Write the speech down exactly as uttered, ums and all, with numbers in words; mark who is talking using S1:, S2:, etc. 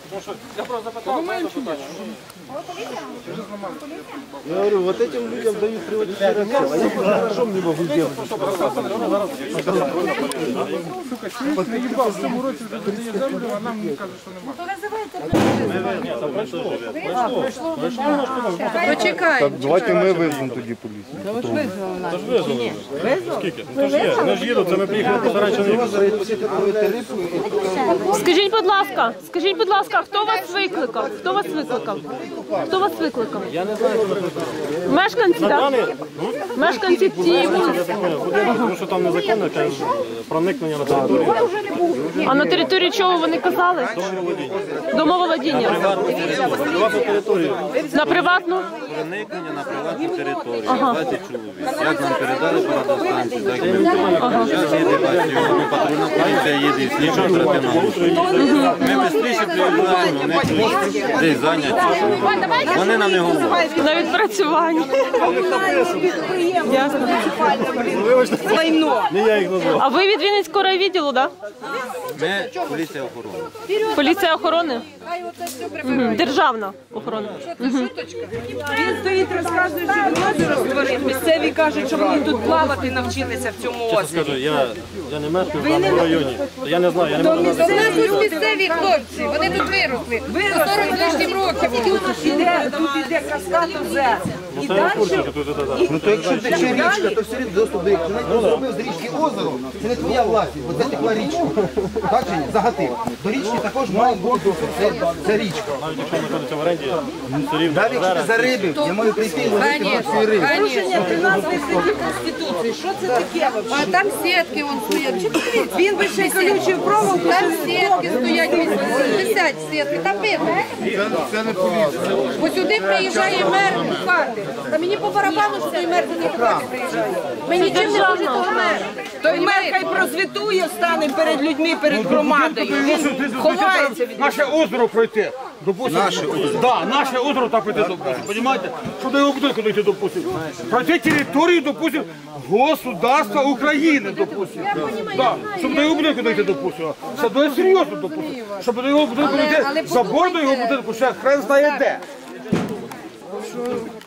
S1: Я просто запитав, мене запитання.
S2: Я говорю, вот этим людям дают приватизацию, а я хорошо не могу делать.
S1: Сука, чуєш, не їбав, в цьому році дає землю, а нам каже, що нема.
S3: Почекай.
S2: Давайте ми визвемо тоді поліцію.
S3: Та ви ж визвали нас.
S4: Та ж визвали. Скільки? Та ж є. Вони ж їдуть, це ми приїхали просто раніше не їхали.
S5: Скажіть, будь ласка, скажіть, будь ласка, хто вас викликав? Хто вас викликав? Хто вас викликав?
S4: Я не знаю, хто викликав.
S5: Мешканці, так? Мешканці цієї вулиці.
S4: Тому що там незаконне проникнення на територію.
S5: А на території чого вони казали? Домоволодіння.
S4: Приватну територію.
S5: На приватну?
S6: Проникнення на приватну територію. двадцять чоловік. Як нам передали по радіостанції, так ми зараз їде бачимо, патрульна поліція їде, і слідчо оперативна. Ми швидше приїжджаємо, вони десь зайняті. Вони нам не говорять.
S5: На відпрацювання. Ясно.
S4: Не я їх назвав.
S5: А ви від Вінницького райвідділу, так?
S6: Ми поліція охорони.
S5: Поліція охорони? Мгм. Державна охорона.
S3: Він стоїть, розказує, що він озеро створив. Місцеві кажуть, що вони тут плавати навчилися в цьому озері.
S4: Скажу, я, я не мешкаю в даному районі. Я не знаю, я не можу
S3: У
S4: назвати.
S3: нас тут місцеві хлопці, вони тут виросли. сорок з лишнім років. Тут іде, тут іде каскад озер. І
S4: Це я в курсі,
S3: далі...
S4: що тут це так.
S2: Ну то якщо тече річка, то все рівно доступ до річки. Навіть зробив з річки озеро, це не твоя власність, бо це текла річка. Так чи ні? Загатив. До річки також має бути доступ. Це, це річка.
S4: Навіть якщо знаходиться в оренді, все рівно.
S2: Навіть якщо ти зарибив, я маю прийти і ловити всю рибу.
S3: Порушення тринадцятої статті Конституції. Що це таке?
S7: А там сітки вон стоять.
S3: Він би ще й колючою проволокою.
S7: Там сітки стоять, висять сітки, там видно.
S2: Це не поліція.
S7: Ось сюди приїжджає мер хати. Та мені по барабану, що той мер до них хати приїжджає. Мені чим не може того мер.
S3: Той мер хай прозвітує, стане перед людьми, перед громадою. Він ховається від
S1: Наше озеро пройти. Допустим, наше озеро. Да, наше озеро так пройти, допустим. Понимаете? Що до його будинку дойти, допустим. Пройти територію, допустим, государства України, допустим. Да, щоб до його будинку дойти, допустим. Це дуже серйозно, допустим. Щоб до його будинку дойти, забор до його будинку, ще хрен знає де.